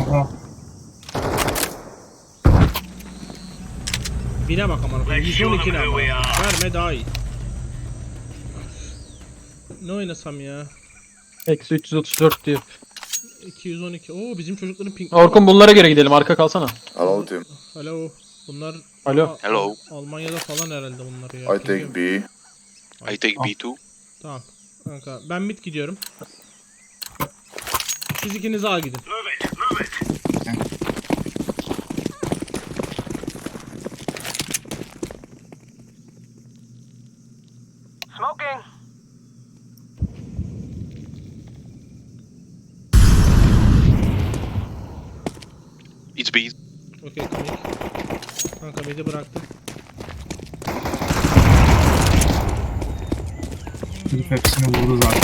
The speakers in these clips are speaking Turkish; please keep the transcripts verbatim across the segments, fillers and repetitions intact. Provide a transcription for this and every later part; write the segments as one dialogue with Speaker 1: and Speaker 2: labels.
Speaker 1: Ha.
Speaker 2: Bine bak aman okuyayım. yüz on iki ne ama. Verme daha iyi. Ne oynasam ya?
Speaker 3: Eksi üç yüz otuz dört diyor.
Speaker 2: iki yüz on iki. Oo bizim çocukların ping.
Speaker 3: Orkun bunlara göre gidelim. Arka kalsana.
Speaker 4: Hello team.
Speaker 2: Alo. Bunlar
Speaker 3: Alo.
Speaker 2: Al-
Speaker 5: Hello.
Speaker 2: Almanya'da falan herhalde bunlar ya.
Speaker 4: I take B.
Speaker 5: I take B two.
Speaker 2: Tamam. Kanka ben mid gidiyorum. Siz ikiniz A gidin.
Speaker 6: Smoking.
Speaker 5: It's B.
Speaker 2: Okey komik. Kanka mid'i bıraktım.
Speaker 1: Herif hepsini vurdu zaten.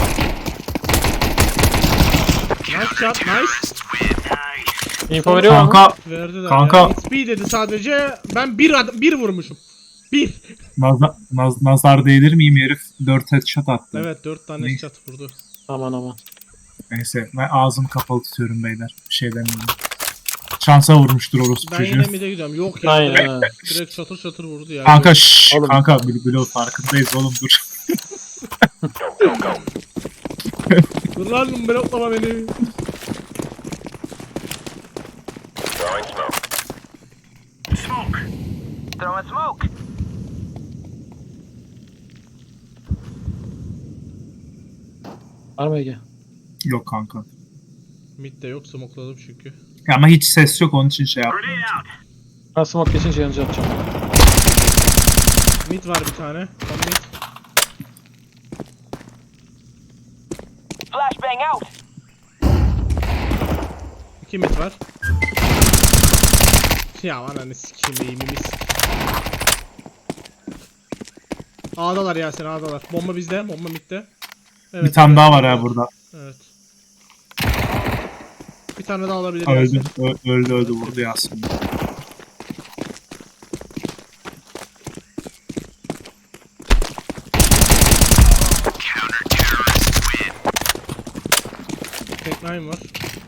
Speaker 2: Nice shot, nice.
Speaker 3: Info veriyor mu?
Speaker 1: Kanka
Speaker 2: Verdiler
Speaker 1: Kanka.
Speaker 2: ya. It's B dedi sadece. Ben bir ad- bir vurmuşum. Bir.
Speaker 1: nazar, naz, nazar değdir miyim, herif dört headshot attı.
Speaker 2: Evet dört tane
Speaker 1: Ne?
Speaker 2: shot vurdu.
Speaker 3: Aman aman.
Speaker 1: Neyse ben ağzımı kapalı tutuyorum beyler. Bir şey demiyorum. Şansa vurmuştur orospu
Speaker 2: Ben
Speaker 1: çocuğu.
Speaker 2: yine mid'e gidiyorum. Yok ya.
Speaker 3: Aynen
Speaker 2: Direkt,
Speaker 3: ha.
Speaker 2: direkt çatır çatır vurdu ya.
Speaker 1: Kanka şşş
Speaker 3: Oğlum.
Speaker 1: kanka Bülbül'ü farkındayız oğlum dur.
Speaker 2: Dur lan bloklama beni.
Speaker 6: Throwing smoke.
Speaker 3: Var mı Ege?
Speaker 1: Yok kanka.
Speaker 2: Mid'de yok smokladım çünkü.
Speaker 1: Ya ama hiç ses yok onun için şey yaptım.
Speaker 3: Ben smoke geçince yanıcı atacağım.
Speaker 2: Mid var bir tane. Tam mid.
Speaker 6: Flashbang out.
Speaker 2: İki mid var. Ya ananı sikeyim eğimimi sikeyim. A'dalar Yasin A'dalar. Bomba bizde. Bomba midde. Evet,
Speaker 1: Bir tane
Speaker 2: evet,
Speaker 1: daha var
Speaker 2: evet.
Speaker 1: ha burada.
Speaker 2: Evet. Bir tane daha alabilir
Speaker 1: Öldü,
Speaker 2: Yasin.
Speaker 1: ö- öldü öldü vurdu Yasin.
Speaker 2: Tek nine var.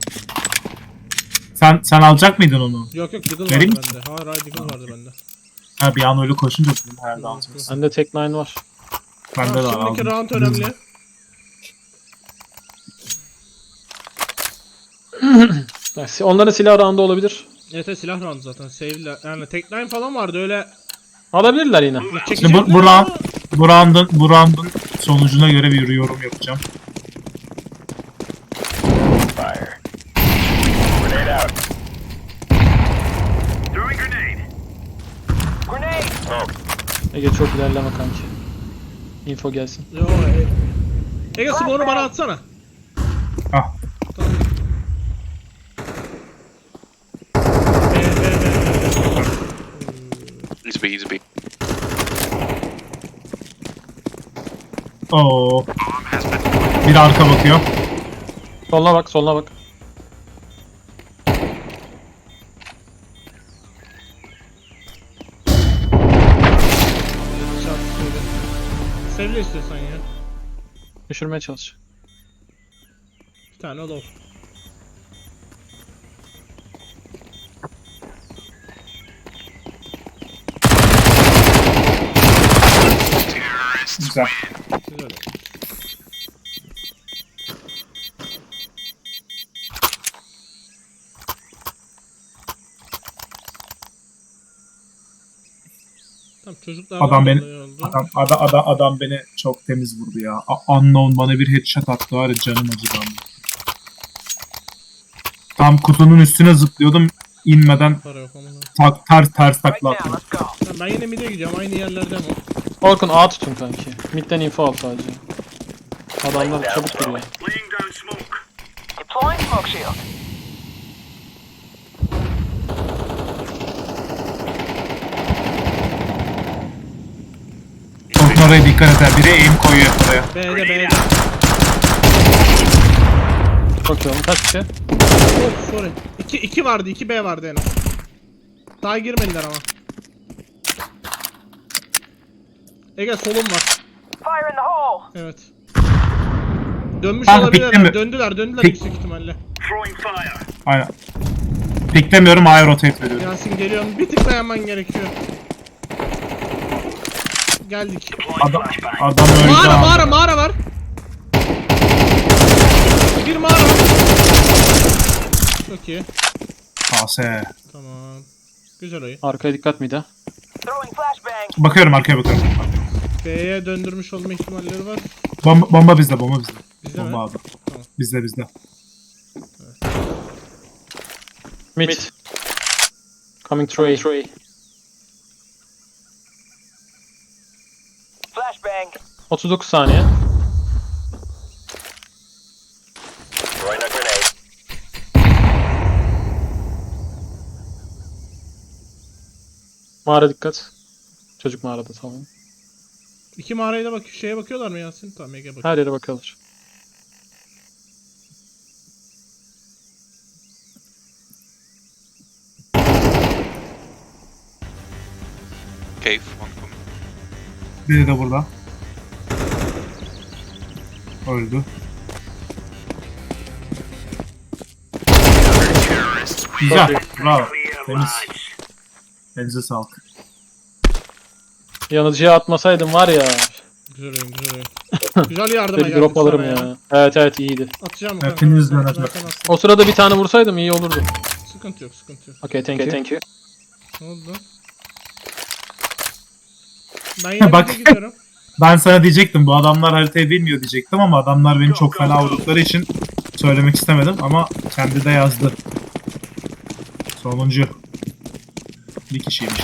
Speaker 1: Sen sen alacak mıydın onu?
Speaker 2: Yok yok Deagle
Speaker 1: Vereyim
Speaker 2: vardı
Speaker 1: mi?
Speaker 2: bende. Hayır hayır Deagle vardı bende.
Speaker 1: Ha bir an öyle koşunca dedim herhalde alacaksın.
Speaker 3: Bende tek nine var.
Speaker 1: Bende de
Speaker 2: Tamam,
Speaker 1: var
Speaker 2: şimdiki
Speaker 1: aldım.
Speaker 2: round önemli.
Speaker 3: Yani onların silah roundu olabilir.
Speaker 2: Evet evet, silah round zaten. Save'le. Yani tek nine falan vardı öyle.
Speaker 3: Alabilirler yine.
Speaker 1: Şimdi bu,
Speaker 2: Çekecekler
Speaker 1: bu, round,
Speaker 2: ama-
Speaker 1: bu, round'un, bu round'un sonucuna göre bir yorum yapacağım.
Speaker 6: Grenade.
Speaker 3: Ege çok ilerleme kanki. Info gelsin.
Speaker 2: Yo, e... Ege smoke'unu bana atsana.
Speaker 1: Ah
Speaker 2: Be, be, be, be.
Speaker 5: It's B. It's B.
Speaker 1: Oo. Bir arka bakıyor.
Speaker 3: Soluna bak, soluna bak.
Speaker 2: Şart söyle. Sevle istiyorsan ya.
Speaker 3: Düşürmeye çalış.
Speaker 2: Bir tane low.
Speaker 1: Güzel.
Speaker 2: Güzel. Tamam çocuklar
Speaker 1: Adam beni
Speaker 2: oldu.
Speaker 1: adam, adam, adam, adam beni çok temiz vurdu ya. A- Unknown bana bir headshot attı var ya canım acıdı ama. Tam kutunun üstüne zıplıyordum inmeden
Speaker 2: Para yok ama.
Speaker 1: tak, ters ters
Speaker 6: Right
Speaker 1: takla
Speaker 6: now,
Speaker 1: attım.
Speaker 6: let's go.
Speaker 2: Tamam, ben yine mid'e gidiyorum aynı yerlerde ama.
Speaker 3: Orkun A tutun kanki. Mid'den info al sadece. Adamlar çabuk duruyor.
Speaker 6: Deploying smoke shield.
Speaker 1: Çok oraya dikkat et ha. Biri aim koyuyor oraya.
Speaker 2: B'de B'de.
Speaker 3: Çok iyi oğlum. Kaç kişi?
Speaker 2: Oh sorry. iki iki vardı iki B vardı en az. Daha girmediler ama. Ege solum var.
Speaker 6: Fire in the hole.
Speaker 2: Evet. Dönmüş
Speaker 1: Kanka,
Speaker 2: olabilirler.
Speaker 1: pikte mi?
Speaker 2: Döndüler döndüler
Speaker 1: Pik-
Speaker 2: yüksek ihtimalle.
Speaker 1: Aynen. Piklemiyorum, A'ya rotate veriyorum.
Speaker 2: Yasin geliyorum. Bir tık dayanman gerekiyor. Geldik.
Speaker 1: Adam, adam öldü.
Speaker 2: Mağara
Speaker 1: abi.
Speaker 2: mağara mağara var. Bir mağara var. Çok iyi.
Speaker 1: K S.
Speaker 2: Tamam. Güzel oyun.
Speaker 3: Arkaya dikkat miydi?
Speaker 6: Throwing flashbang.
Speaker 1: Bakıyorum, arkaya bakıyorum.
Speaker 2: B'ye döndürmüş olma ihtimalleri var.
Speaker 1: Bomba, bomba bizde, bomba bizde.
Speaker 2: Bizde mi?
Speaker 1: Bomba abi.
Speaker 2: Tamam.
Speaker 1: Bizde bizde.
Speaker 3: Mid. Coming through.
Speaker 6: Flashbang.
Speaker 3: otuz dokuz saniye.
Speaker 6: Throwing a grenade.
Speaker 3: Mağara dikkat. Çocuk mağarada tamam.
Speaker 2: İki mağaraya da bak şeye bakıyorlar mı Yasin? Tamam Ege bak.
Speaker 3: Her yere bakıyorlar.
Speaker 5: Cave, one coming.
Speaker 1: Biri de burada. Öldü. Güzel. Bravo. Temiz. Elinize sağlık.
Speaker 3: Yanıcıya atmasaydım var ya.
Speaker 2: Güzel oyun güzel oyun. Güzel yardıma
Speaker 3: Bir
Speaker 2: geldik
Speaker 3: drop alırım
Speaker 2: sana
Speaker 3: ya. Evet evet iyiydi.
Speaker 2: Atacağım mı kanka?
Speaker 1: Hepiniz
Speaker 2: Zaten
Speaker 1: yönetmen.
Speaker 2: attım.
Speaker 3: O sırada bir tane vursaydım iyi olurdu.
Speaker 2: Sıkıntı yok sıkıntı yok.
Speaker 3: Okay thank you. Thank you.
Speaker 2: Ne oldu? Ben yine
Speaker 1: Bak.
Speaker 2: Bak. gidiyorum.
Speaker 1: Ben sana diyecektim, bu adamlar haritayı bilmiyor diyecektim ama adamlar beni çok fena vurdukları için söylemek istemedim ama kendi de yazdı. Sonuncu. Bir kişiymiş.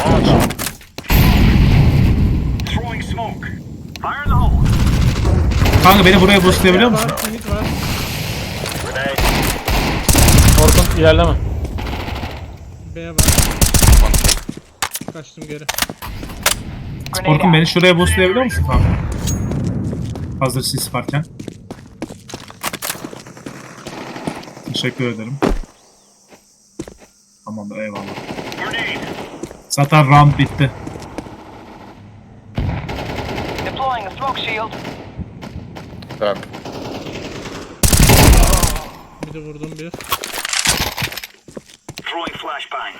Speaker 6: Throwing smoke. Fire in the hole.
Speaker 1: Kanka beni buraya boostlayabiliyor musun?
Speaker 2: Var, minit var.
Speaker 6: Grenade.
Speaker 3: Orkun ilerleme.
Speaker 2: B var. Kaçtım geri.
Speaker 6: Grenade
Speaker 1: Orkun
Speaker 6: out.
Speaker 1: beni şuraya boostlayabiliyor musun kanka? Hazır sis varken. Teşekkür ederim. Tamamdır, eyvallah. Zaten round bitti.
Speaker 6: Deploying a smoke shield.
Speaker 2: Bir de vurdum bir.
Speaker 6: Throwing flashbang.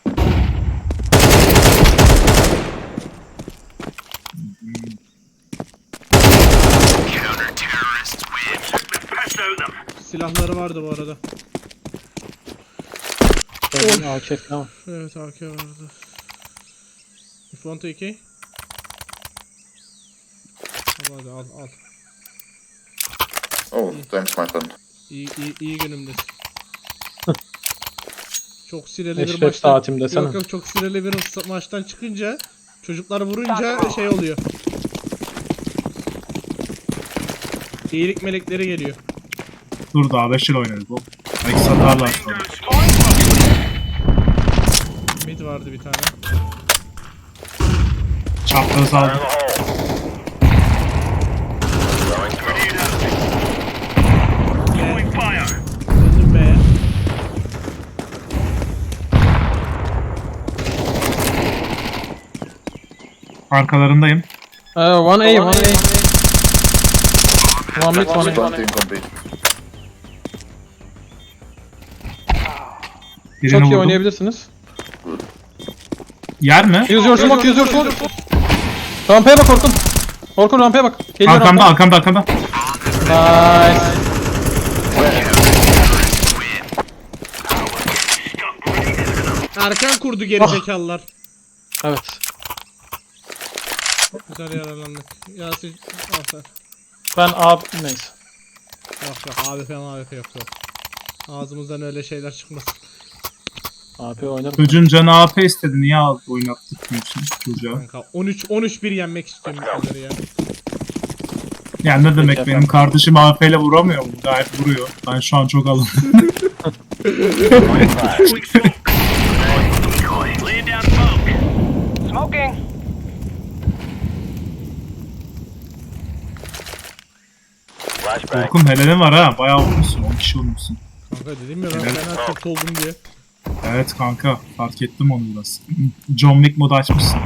Speaker 2: Silahları vardı bu arada.
Speaker 3: Gördün A K falan.
Speaker 2: Evet A K vardı. If you want A K? Al hadi al al.
Speaker 4: Oh, thanks, my friend.
Speaker 2: İyi, iyi, iyi günümdesin. Çok sinirli bir
Speaker 3: Eşref
Speaker 2: maçtan.
Speaker 3: saatim desene.
Speaker 2: Yok yok çok sinirli bir sa- maçtan çıkınca çocuklar vurunca şey oluyor. İyilik melekleri geliyor.
Speaker 1: Dur daha beş yıl oynarız bu. Belki satarlar sonra.
Speaker 2: Mid vardı bir tane.
Speaker 1: Çapraz aldım.
Speaker 2: Döndüm B'ye.
Speaker 1: Arkalarındayım.
Speaker 3: Ee, one A, one A. One mid, one A.
Speaker 4: Planting complete.
Speaker 1: Birini
Speaker 3: Çok iyi
Speaker 1: vurdum.
Speaker 3: oynayabilirsiniz.
Speaker 1: Yer mi?
Speaker 3: Use your smoke, use your smoke. Rampaya bak Orkun. Orkun rampaya bak. Geliyor
Speaker 1: Arkamda,
Speaker 3: rampa.
Speaker 1: arkamda, arkamda.
Speaker 3: Nice.
Speaker 2: Erken kurdu gerizekalılar.
Speaker 3: Evet.
Speaker 2: Güzel yararlandık. Yasin al sen.
Speaker 3: Ben A... Neyse.
Speaker 2: Yok yok A W P A W P yok yok. Ağzımızdan öyle şeyler çıkmasın.
Speaker 3: A P oynarım.
Speaker 1: Çocuğun canı A P istedi. Niye al oynattırmıyorsun çocuğa?
Speaker 2: Kanka on üç on üç bir yenmek istiyorum bu kadar ya.
Speaker 1: Yani ne demek,
Speaker 3: Peki
Speaker 1: benim kardeşim A P ile vuramıyor mu? Gayet vuruyor. Ben şu an çok alındım.
Speaker 6: Smoking. Flashbang.
Speaker 1: Korkum helalin var ha. Bayağı vurmuşsun. on kişi vurmuşsun.
Speaker 2: Kanka dedim ya ben
Speaker 1: Evet.
Speaker 2: fena tilt oldum diye.
Speaker 1: Evet kanka. Fark ettim onu biraz. John Wick modu açmışsın.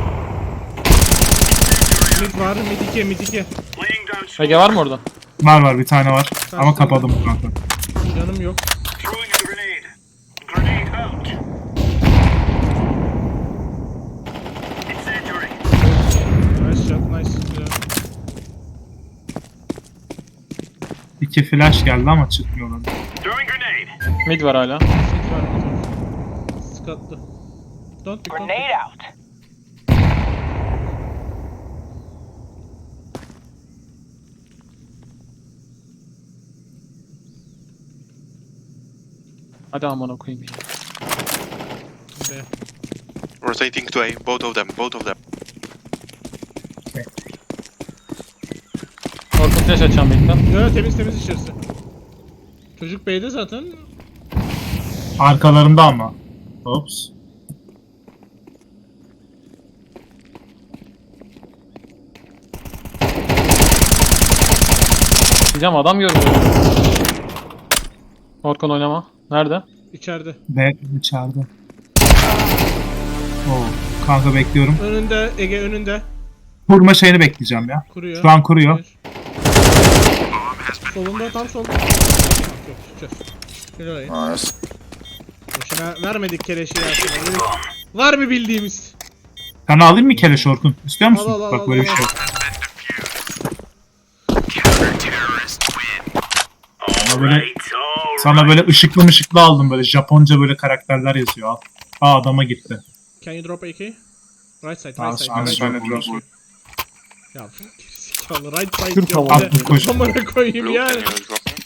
Speaker 2: Mid var mid iki mid iki.
Speaker 3: Ege var mı orada?
Speaker 1: Var var, bir tane var. Ama
Speaker 2: Tamam.
Speaker 1: kapadım kanka.
Speaker 2: Canım yok.
Speaker 6: Throwing a grenade. Grenade out. Incendiary.
Speaker 2: Nice shot, nice. Güzel.
Speaker 1: İki flash geldi ama çıkmıyorlar.
Speaker 6: Throwing grenade.
Speaker 3: Mid var hala.
Speaker 2: Sit var mı? Sıkatlı. Don't pick, don't pick.
Speaker 6: Grenade out.
Speaker 3: Hadi amına koyayım ya.
Speaker 2: B.
Speaker 5: Rotating to A. Both of them. Both of them.
Speaker 3: Orkun flash açacağım midden.
Speaker 2: Yo, temiz temiz içerisi. Çocuk B'de zaten.
Speaker 1: Arkalarında ama. Ops.
Speaker 3: Diyeceğim adam görmüyor. Orkun oynama. Nerede?
Speaker 2: İçeride.
Speaker 1: Ve içeride. Oo. Kanka bekliyorum.
Speaker 2: Önünde, Ege önünde.
Speaker 1: Kurma şeyini bekleyeceğim ya.
Speaker 2: Kuruyor.
Speaker 1: Şu an kuruyor.
Speaker 2: Bir. Solunda, tam solunda. Yok, çıkacağız. Şöyle orayı.
Speaker 4: Nice.
Speaker 2: Boşuna vermedik keleşi ya. Var mı bildiğimiz?
Speaker 1: Sana alayım mı keleş Orkun? İstiyor musun?
Speaker 2: Al, al, al,
Speaker 1: Bak
Speaker 2: al,
Speaker 1: böyle bir
Speaker 2: al.
Speaker 1: şey. Sana böyle, sana böyle ışıklı mışıklı aldım, böyle Japonca böyle karakterler yazıyor. Al. Aa, adama gitti.
Speaker 2: Can you drop A K? Right side,
Speaker 1: Al,
Speaker 2: right side.
Speaker 1: al,
Speaker 2: right
Speaker 1: şöyle
Speaker 2: side.
Speaker 1: drop.
Speaker 2: Ya gerizekalı right side
Speaker 3: Türk
Speaker 2: diyor.
Speaker 3: havalı.
Speaker 2: Bir de
Speaker 1: Koş.
Speaker 2: amına koyayım
Speaker 5: Blue,
Speaker 2: yani.
Speaker 5: can you drop me?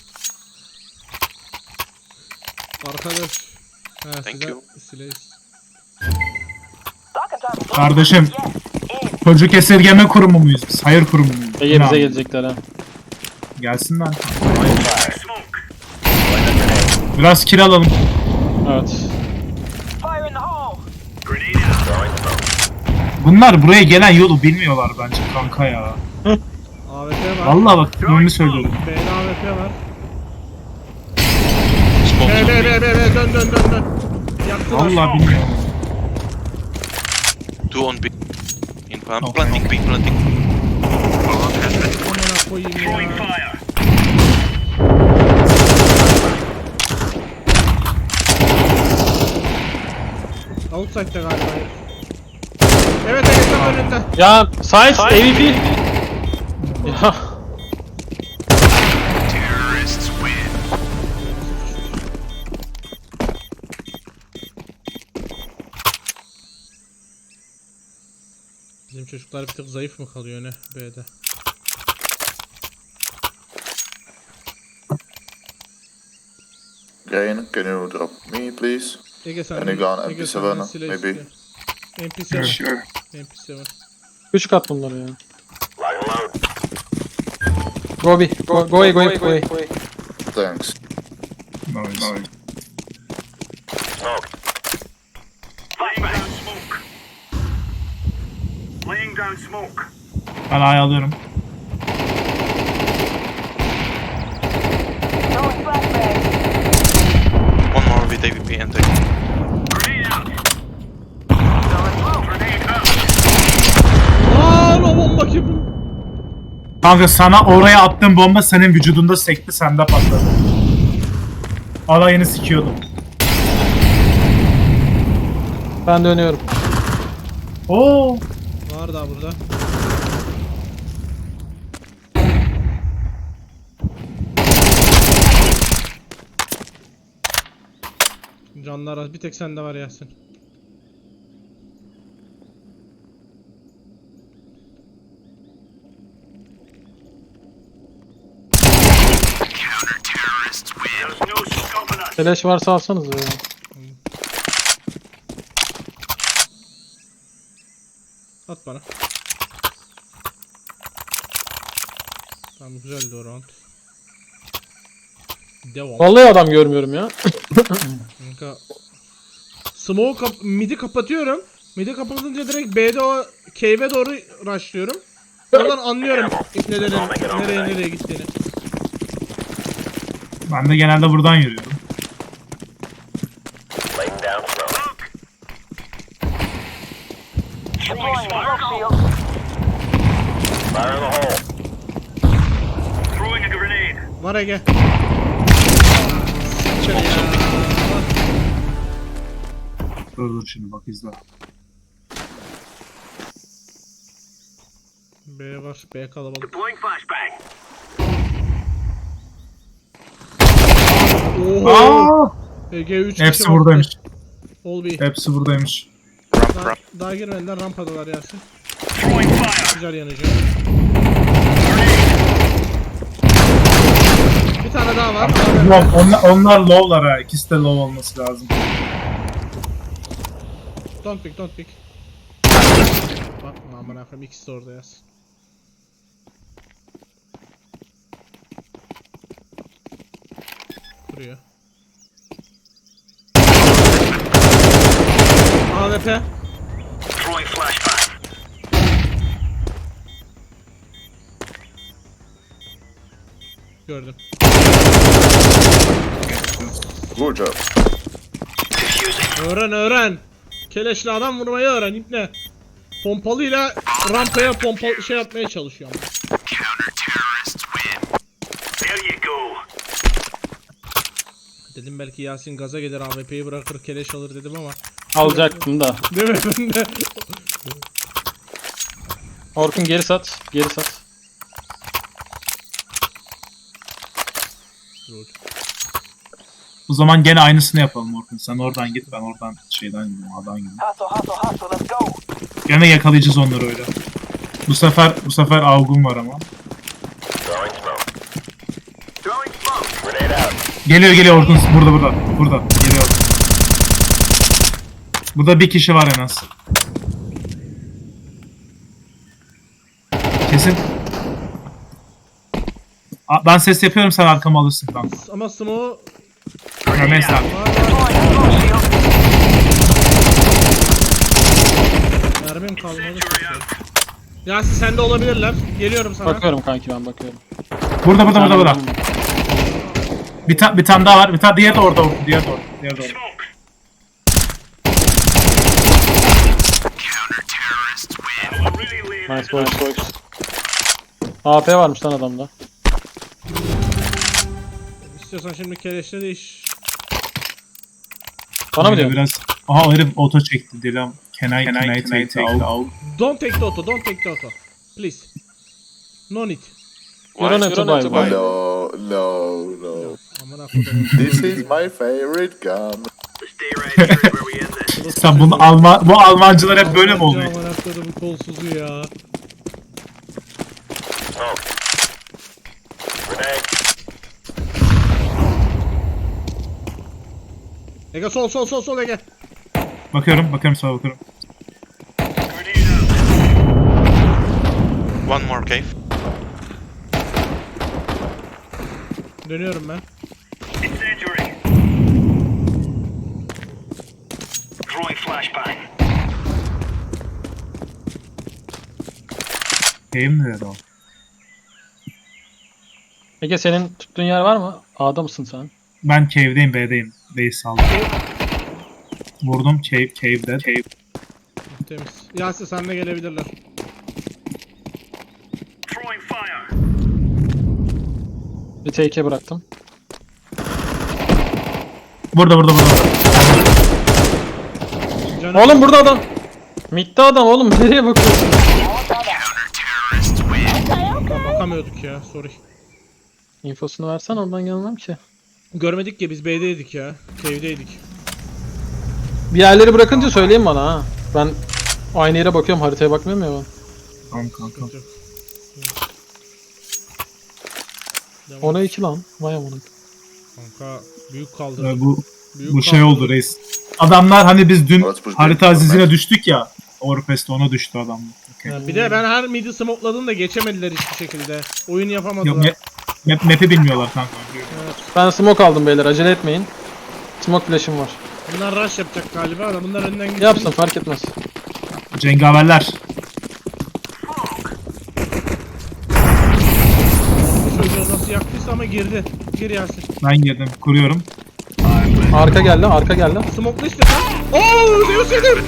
Speaker 2: Arkadaş. Ha,
Speaker 5: Thank
Speaker 2: silah,
Speaker 5: you.
Speaker 2: silah.
Speaker 1: Kardeşim, çocuk esirgeme kurumu muyuz biz? Hayır kurumu muyuz?
Speaker 3: Ege
Speaker 1: Ne
Speaker 3: bize
Speaker 1: abi?
Speaker 3: gelecekler ha.
Speaker 1: Gelsinler. Biraz kill alalım.
Speaker 3: Evet.
Speaker 6: Fire in the hole.
Speaker 1: Bunlar buraya gelen yolu bilmiyorlar bence kanka ya.
Speaker 2: A W P var.
Speaker 1: Vallahi bak, bunu söylüyorum.
Speaker 2: B'de A W P var.
Speaker 5: Smoke
Speaker 2: B,
Speaker 5: on
Speaker 2: B,
Speaker 5: B.
Speaker 2: B, B, B, dön, dön, dön, dön. Yaktılar.
Speaker 1: Vallahi bilmiyorum.
Speaker 5: Two on B. In plant.
Speaker 1: Okay.
Speaker 5: Planting B. Planting.
Speaker 2: Amına koyayım ya. Outside'da galiba. Evet, evet, tam önünde.
Speaker 3: Ya Science A V P. Ya.
Speaker 2: Bizim çocuklar bir tık zayıf mı kalıyor ne B'de?
Speaker 4: Gain, can you drop me, please?
Speaker 2: Ege sen
Speaker 4: Any gun,
Speaker 2: Ege
Speaker 4: M P
Speaker 2: senden
Speaker 4: seven,
Speaker 2: silah
Speaker 4: maybe?
Speaker 2: istiyor. M P seven.
Speaker 1: Sure.
Speaker 2: M P seven.
Speaker 3: Küçük at bunları ya. Go B. Go, go A, go A, go A.
Speaker 4: Thanks.
Speaker 1: Nice.
Speaker 6: Laying down smoke. Laying down smoke.
Speaker 1: Ben A'yı alıyorum.
Speaker 6: Throwing flashbang.
Speaker 5: One more with A V P and A.
Speaker 6: Grenade out. Throwing smoke. Grenade out.
Speaker 2: Aaa o bomba kim?
Speaker 1: Kanka sana oraya attığım bomba senin vücudunda sekti, sende patladı. Alayını sikiyordum.
Speaker 3: Ben dönüyorum.
Speaker 1: Oo.
Speaker 2: Var daha burada. Canlar az. Bir tek sende var Yasin.
Speaker 6: There's no stopping us.
Speaker 3: Flash varsa alsanız ya.
Speaker 2: At bana. Tamam, güzeldi o round. Devam.
Speaker 3: Vallahi adam görmüyorum ya.
Speaker 2: Kanka. Smoke kap midi kapatıyorum. Midi kapatınca direkt B'de o cave'e doğru rushlıyorum. Oradan anlıyorum nelerin nereye nereye gittiğini.
Speaker 1: Ben de genelde buradan yürüyorum.
Speaker 6: Laying down smoke. Deploying smoke shield. Fire in the hole. Throwing a grenade.
Speaker 2: Var Ege. içeri ya.
Speaker 1: Dur dur şimdi bak izle.
Speaker 2: B var. B kalabalık.
Speaker 6: Deploying flashbang.
Speaker 2: Oho.
Speaker 1: Aa!
Speaker 2: Ege üç
Speaker 1: Hepsi
Speaker 2: kişi
Speaker 1: buradaymış.
Speaker 2: Ol bir.
Speaker 1: Hepsi buradaymış.
Speaker 5: Ramp,
Speaker 2: Daha,
Speaker 5: ramp.
Speaker 2: daha girmediler, rampadalar Yasin.
Speaker 6: Throwing fire.
Speaker 2: Güzel yanıcı. Bir tane daha var.
Speaker 1: Low, onlar, onlar low'lar ha. İkisi de low olması lazım.
Speaker 2: Don't pick, don't pick. Bakma aman akım, ikisi de orada yaz. Kuruyor. A W P.
Speaker 6: Throwing flashbang.
Speaker 2: Gördüm.
Speaker 4: Good job.
Speaker 6: Diffusing.
Speaker 2: Öğren öğren. Keleşli adam vurmayı öğren ipne. Pompalıyla rampaya pompa şey yapmaya çalışıyorum.
Speaker 6: There you go.
Speaker 2: Dedim belki Yasin gaza gelir A W P'yi bırakır keleş alır dedim ama.
Speaker 3: Alacaktım da.
Speaker 2: Değil mi? Ben de.
Speaker 3: Orkun geri sat. Geri sat.
Speaker 1: O zaman gene aynısını yapalım Orkun. Sen oradan git, ben oradan şeyden gideyim, A'dan gideyim.
Speaker 6: Hustle, hustle, hustle. Let's go.
Speaker 1: Gene yakalayacağız onları öyle. Bu sefer bu sefer Avgun var ama.
Speaker 6: Throwing smoke. Throwing smoke. Grenade out.
Speaker 1: Geliyor geliyor Orkun. Burada burada. Burada. Geliyor. Burada bir kişi var en az. Kesin. Aa, ben ses yapıyorum, sen arkamı alırsın kanka.
Speaker 2: Ama Smo
Speaker 1: Ya neyse abi.
Speaker 6: Deploying smoke shield.
Speaker 2: mermim kalmadı. Yasin sende olabilirler. Geliyorum sana.
Speaker 3: Bakıyorum kanki, ben bakıyorum.
Speaker 1: Burada burada burada
Speaker 3: Sen-
Speaker 1: burada. Bir, ta bir tane daha var. Bir tane diğer de orada. Orkun, Diğer de orada. Diğer de orada.
Speaker 6: Smoke. I'm really laying
Speaker 3: Nice boys. boys. A P varmış lan adamda.
Speaker 2: İstiyorsan şimdi keleşle değiş.
Speaker 3: Bana mı
Speaker 1: Böyle
Speaker 3: diyorsun?
Speaker 1: Biraz... Aha herif oto çekti Dilan. Can I, can I take the out?
Speaker 2: Don't take the auto, don't take the auto. Please. No need.
Speaker 3: You don't have to buy one.
Speaker 4: No, no, no.
Speaker 2: Aman akıllı.
Speaker 4: This is my favorite gun.
Speaker 6: Stay right here where we end this.
Speaker 1: Sen bunu Alman... Bu Almancılar hep böyle mi oluyor?
Speaker 2: Aman akıllı bu kolsuzu ya.
Speaker 6: Smoke. Grenade.
Speaker 2: Ege sol sol sol sol Ege.
Speaker 1: Bakıyorum, bakıyorum sağa bakıyorum.
Speaker 6: Grenade out.
Speaker 5: One more cave.
Speaker 2: Dönüyorum ben.
Speaker 6: Incendiary. Throwing flashbang.
Speaker 1: Game nerede o?
Speaker 3: Ege senin tuttuğun yer var mı? A'da mısın sen?
Speaker 1: Ben cave'deyim, B'deyim. B'yi saldım. Vurdum, cave, cave'de. Cave.
Speaker 2: Temiz. Yasin sen de gelebilirler.
Speaker 6: Throwing fire.
Speaker 3: Bir T K bıraktım.
Speaker 1: Burada, burada, burada.
Speaker 2: Canım.
Speaker 3: Oğlum burada adam. Mid'de adam oğlum, nereye bakıyorsun?
Speaker 2: Bakamıyorduk ya, sorry.
Speaker 3: İnfosunu versen oradan gelmem ki.
Speaker 2: Görmedik ya, biz B'deydik ya. Cave'deydik.
Speaker 3: Bir yerleri bırakınca söyleyin bana ha. Ben aynı yere bakıyorum, haritaya bakmıyorum ya ben.
Speaker 1: Tamam kanka.
Speaker 3: Ona iki lan. Vay amına.
Speaker 2: Kanka büyük kaldı.
Speaker 1: Ee, bu
Speaker 2: Büyük
Speaker 1: bu şey
Speaker 2: kaldı.
Speaker 1: oldu reis. Adamlar hani biz dün
Speaker 4: Let's push
Speaker 1: harita
Speaker 4: back.
Speaker 1: azizine düştük ya. Orpest'te ona düştü adam. Okay.
Speaker 2: Ha, bir de ben her midi smokladım da geçemediler hiçbir şekilde. Oyun yapamadılar.
Speaker 1: Yok, map, map, map'i bilmiyorlar kanka.
Speaker 3: Ben smoke aldım beyler, acele etmeyin. Smoke flash'im var.
Speaker 2: Bunlar rush yapacak galiba da bunlar önden gitsin.
Speaker 3: Yapsın, fark etmez.
Speaker 1: Cengaverler.
Speaker 2: Bu çocuğu nasıl yaktıysa ama girdi. Gir Yasin.
Speaker 1: Ben girdim, kuruyorum.
Speaker 3: Arka geldi, arka geldi.
Speaker 2: Smokla işte sen. Ooo Zeus yedim.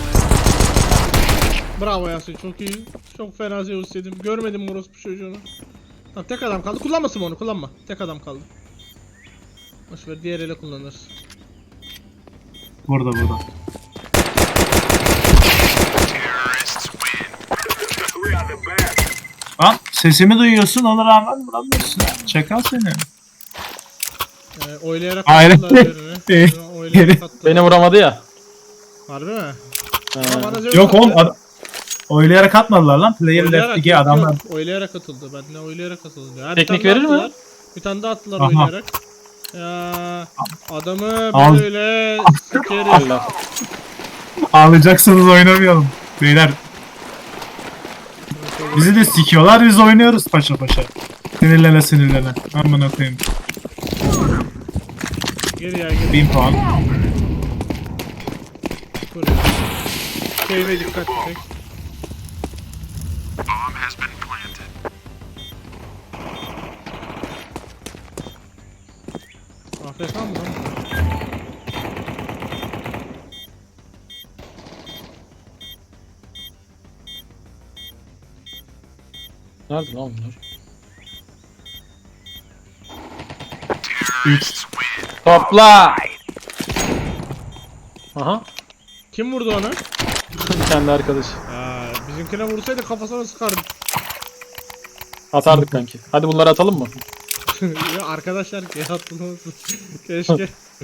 Speaker 2: Bravo Yasin, çok iyi. Çok fena Zeus yedim. Görmedim orospu çocuğunu. Tamam, tek adam kaldı. Kullanmasın onu, kullanma. Tek adam kaldı. Boşver diğer ele kullanırız.
Speaker 1: Burada burada. Lan sesimi duyuyorsun ona rağmen vuramıyorsun. Çakal seni.
Speaker 2: Ee, oylayarak
Speaker 1: Aynen.
Speaker 2: attılar birini. Birini oylayarak attılar.
Speaker 3: Beni vuramadı ya.
Speaker 2: Harbi mi?
Speaker 3: He.
Speaker 2: Ama bana zevk
Speaker 1: Yok
Speaker 2: attı.
Speaker 1: oğlum ad- oylayarak atmadılar lan. Player
Speaker 2: Oylayarak,
Speaker 1: left iki
Speaker 2: yok,
Speaker 1: adamlar.
Speaker 2: yok. Oylayarak atıldı. Ben de oylayarak atıldı. Ha, bir
Speaker 3: Teknik
Speaker 2: tane
Speaker 3: verir
Speaker 2: daha
Speaker 3: mi?
Speaker 2: attılar. Bir tane daha attılar
Speaker 1: Aha.
Speaker 2: oylayarak. Ya adamı
Speaker 1: Al.
Speaker 2: böyle sikeriz.
Speaker 3: Allah.
Speaker 1: Ağlayacaksanız oynamayalım. Beyler bizi de sikiyorlar biz oynuyoruz paşa paşa. Sinirlene sinirlene. Amına koyayım.
Speaker 2: Gel ya gel.
Speaker 1: bin puan.
Speaker 2: Buraya. Keyfe dikkat çek. A F K mı lan?
Speaker 3: Nerede lan bunlar?
Speaker 1: üç.
Speaker 3: Topla! Aha.
Speaker 2: Kim vurdu onu?
Speaker 3: Kendi arkadaş.
Speaker 2: Ya bizimkine vursaydı kafasına sıkardı.
Speaker 3: Atardık kanki. Hadi bunları atalım mı?
Speaker 2: Ya arkadaşlar ki atılmasın. Keşke.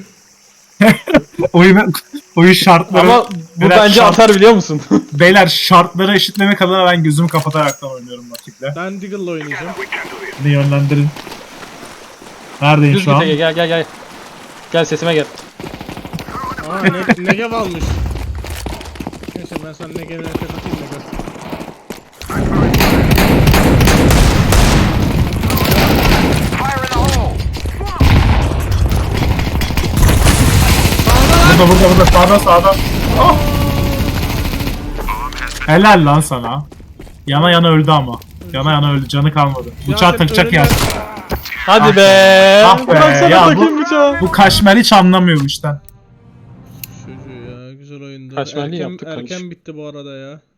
Speaker 1: Oyun, oyun şartları.
Speaker 3: Ama bu
Speaker 1: Beyler,
Speaker 3: bence
Speaker 1: şart-
Speaker 3: atar biliyor musun?
Speaker 1: Beyler şartları eşitlemek adına ben gözümü kapataraktan oynuyorum vakitle.
Speaker 2: Ben Deagle'la oynayacağım.
Speaker 1: Beni yönlendirin. Neredeyim
Speaker 3: Düz
Speaker 1: şu
Speaker 3: git
Speaker 1: an?
Speaker 3: Ege, gel gel gel. Gel sesime gel.
Speaker 2: Aa ne Negev almış. Neyse ben sana Negev'e tek atayım da gör.
Speaker 6: Fire in the hole!
Speaker 1: Burada burada burada sağda sağda. Oh! Helal lan sana. Yana yana öldü ama. Yana yana öldü canı kalmadı. Bıçağı
Speaker 2: Ya,
Speaker 1: takacak
Speaker 2: önüne-
Speaker 1: yer.
Speaker 3: Hadi be.
Speaker 1: Ah be,
Speaker 3: Bırak sana
Speaker 1: ya bu-
Speaker 3: takayım bıçağı.
Speaker 1: Bu kaşmer hiç anlamıyor bu işten.
Speaker 2: Çocuğu ya güzel oyundu.
Speaker 3: Kaçmalı
Speaker 2: erken,
Speaker 3: yaptık,
Speaker 2: erken
Speaker 3: konuş.
Speaker 2: bitti bu arada ya.